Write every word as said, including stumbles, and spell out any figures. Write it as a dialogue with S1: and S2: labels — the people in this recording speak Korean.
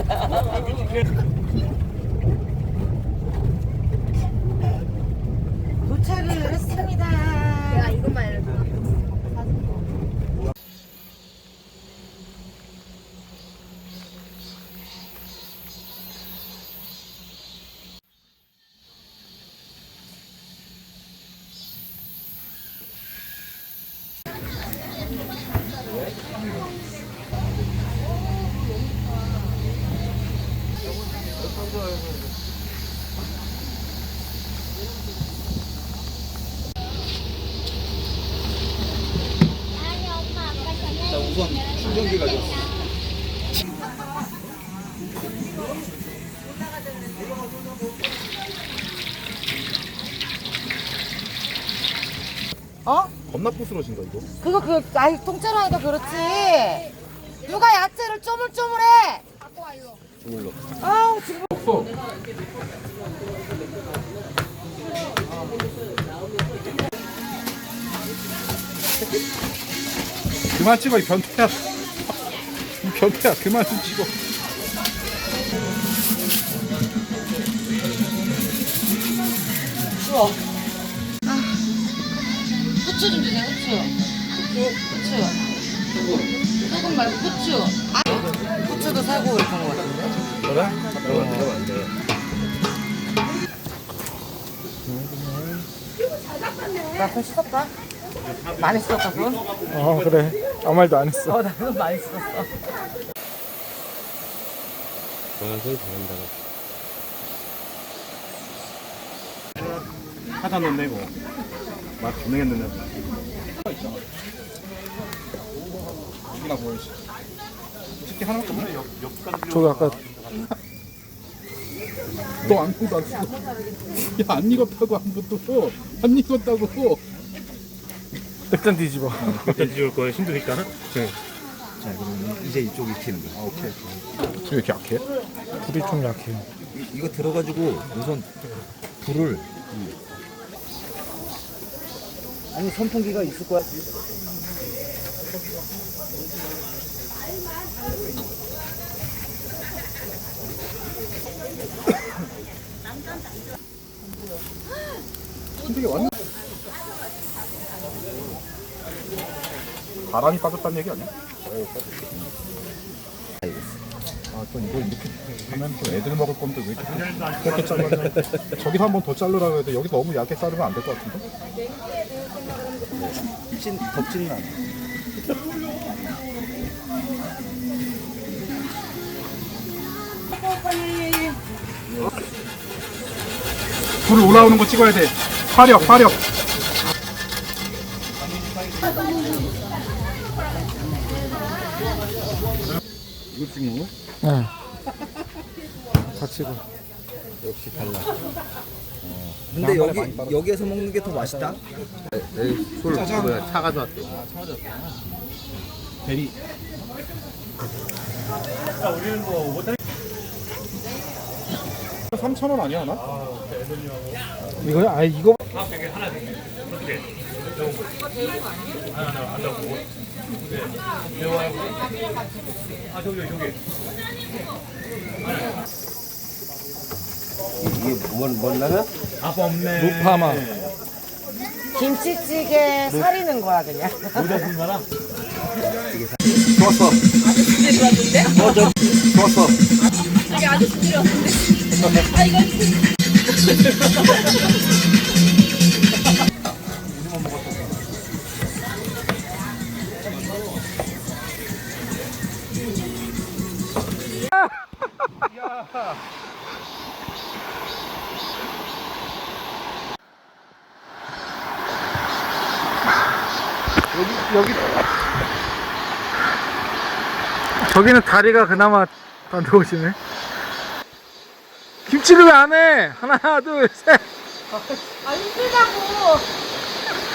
S1: 도착을 했습니다.
S2: 내가 이것만 해도
S3: 자, 우선 충전기 가져왔어.
S1: 어?
S3: 겁나 부스러진다 이거.
S1: 그거 그 아이 통째로 하니까 그렇지. 누가 야채를 쪼물쪼물해?
S3: 주물러.
S1: 아우 지금.
S3: 없어. 그만 찍어 이 변태야. 이 변태야 그만 좀 찍어.
S1: 추워. 아, 후추 좀 주세요. 후추. 후추. 후추. 소금 말고 후추. 아, 후추도 사고 이렇게 한거 같은데.
S3: 그래? 어, 이러면 안 돼.
S1: 나손 씻었다. 많이 씻었다 손.
S3: 어 그래. 아무 말도 안 했어.
S1: 어, 나손 많이 씻었어.
S4: 정한솔 잘한다.
S3: 하단 넣네 이거. 맛 분명했는데. 나 보이지. 쉽게 하나밖에 없네.
S5: 저기 아까
S3: 너 아무것도 안 쓰고. 야안 익었다고 아무것도. 안 익었다고.
S5: 백잔 뒤집어.
S4: 일단 지울 거예요. 힘드니까. 네.
S3: 자 그럼 이제 이쪽 익히는 거. 아 오케이. 왜 이렇게 약해?
S5: 불이 좀 약해요.
S6: 이, 이거 들어가지고 우선 불을 아니 선풍기가 있을 거야.
S3: 근데 이게 완전 바람이 빠졌다는 얘기 아니야? 아, 또 이거 이렇게 하면 또 애들 먹을 건데 왜 이렇게 이렇게 잘라? 저기서 한 번 더 자르라고 해도 여기 너무 얇게 자르면 안 될 것 같은데?
S6: 찐 덥지는 않아.
S3: 불 올라오는 거 찍어야 돼. 화력, 화력. 이거 찍는 거?
S5: 네. 같이 가.
S6: 역시 달라. 근데 여기 여기에서 먹는 게 더 맛있다.
S4: 술 뭐야 차 가져왔대.
S3: 대리. 삼천 원 아니야 하나?
S5: 이거 아 이거
S6: 이게 뭔 뭔라면?
S5: 루파마.
S1: 김치찌개 사리는 거야 그냥.
S3: 좋았어.
S2: 아저씨들이 왔는데?
S3: 어, 저, 좋았어.
S2: 여기 아저씨들이 왔는데? 아 이거
S5: 여기 저기는 다리가 그나마 다 들어오시네. 김치를 왜 안 해? 하나 둘 셋.
S1: 아 힘들다고.